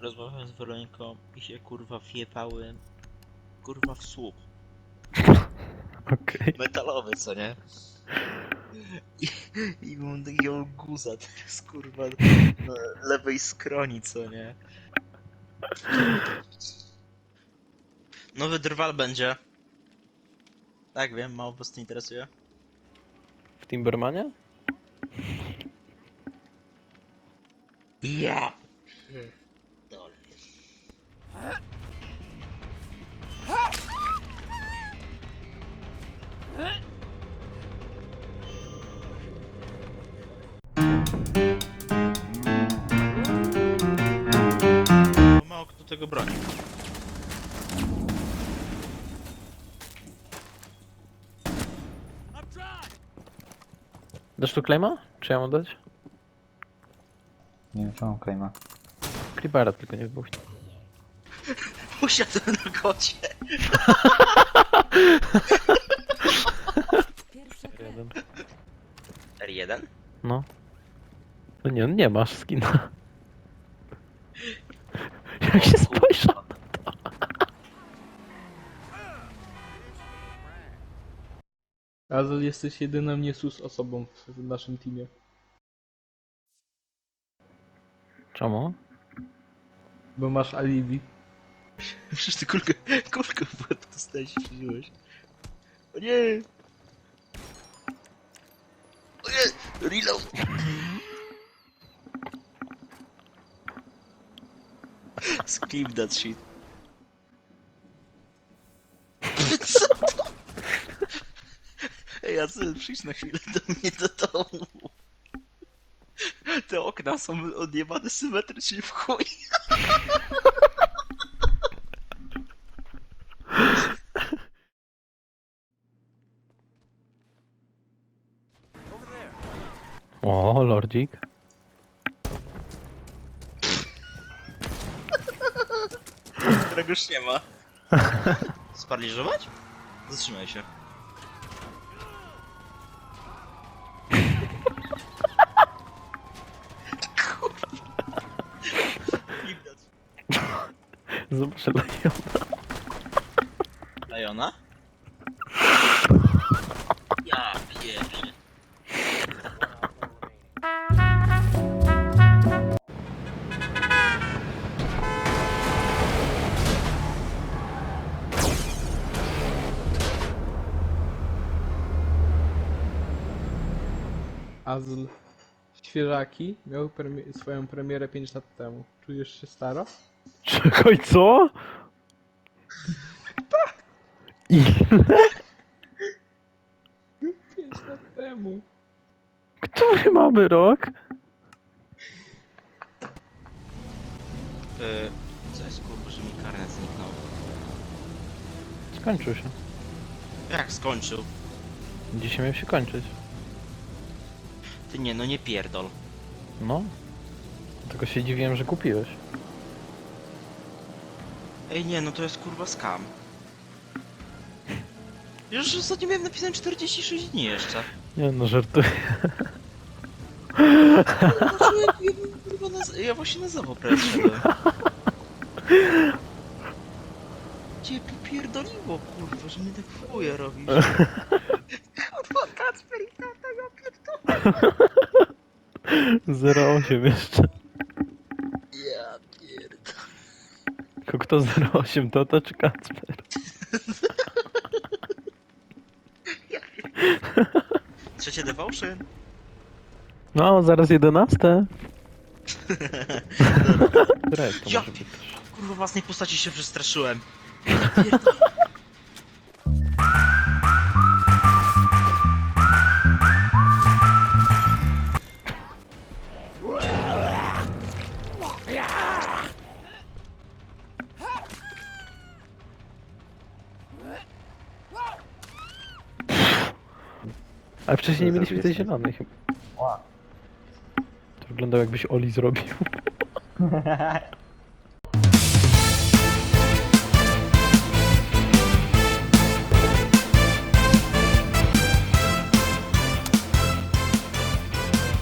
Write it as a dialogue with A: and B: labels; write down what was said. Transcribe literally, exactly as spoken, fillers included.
A: rozmawiałem z Weroniką i się kurwa wjebały kurwa w słup.
B: Okej.
A: Metalowy, co nie? I, i mam takiego guza teraz kurwa na lewej skroni, co nie? Nowy drwal będzie. Tak, wiem, mało was to interesuje.
B: W Timbermanie?
A: Ja! Dole. Bo mało kto tego broni.
B: Dasz tu claima? Czy ja mam dać?
C: Nie wiem, co mam claima.
B: Creepera tylko nie wybuchnie.
A: Usiadłem na kocie.
B: Jeden.
A: R jeden?
B: No. No nie, nie masz skina. Jak się spojrzał.
D: Azel, jesteś jedyną niesus osobą w, w naszym teamie.
B: Czemu?
D: Bo masz alibi.
A: Przecież ty kulkę, kulkę w łeb dostałeś i przeżyłeś. O nie! O nie! Reload! Skip that shit. Co to? Ej, Azel, przyjdź na chwilę do mnie do domu. Te okna są odjebane symetrycznie w chuj.
B: O, lordzik.
A: Którego już nie ma. Sparaliżować? Zatrzymaj się. Kurwa. Widać.
B: Zobacz, Leona.
A: Lajona? Ja pierwszy.
D: Azel, świeżaki miał premi swoją premierę pięć lat temu. Czujesz się staro?
B: Czekaj, co? Ile?
D: pięć lat temu.
B: Który mamy rok?
A: Yy, co jest kurwa, że mi karnet zniknął?
B: Skończył się.
A: Jak skończył?
B: Dzisiaj miał się kończyć.
A: Ty nie, no nie pierdol.
B: No. Tylko się dziwiłem, że kupiłeś.
A: Ej nie, no to jest kurwa scam. Już ostatnio miałem napisane czterdzieści sześć dni jeszcze.
B: Nie no, żartuję.
A: Kurwa, ja, kurwa, na, ja właśnie na zawo szedłem. Cię popierdoliło, kurwa, że mnie tak w chuje robisz. Kurwa, Kacper i tata, ja pierdolę.
B: zero osiem jeszcze.
A: Ja pierdolę.
B: Tylko kto zero osiem, Tata czy Kacper?
A: Trzecie devotion.
B: No, zaraz jedenaste. Red to
A: Ja
B: może być też.
A: Kurwa, własnej postaci się przestraszyłem. Ja pierdolę.
B: Ale wcześniej nie mieliśmy tej zielonej chyba.
C: Ła.
B: To wyglądał jakbyś Oli zrobił.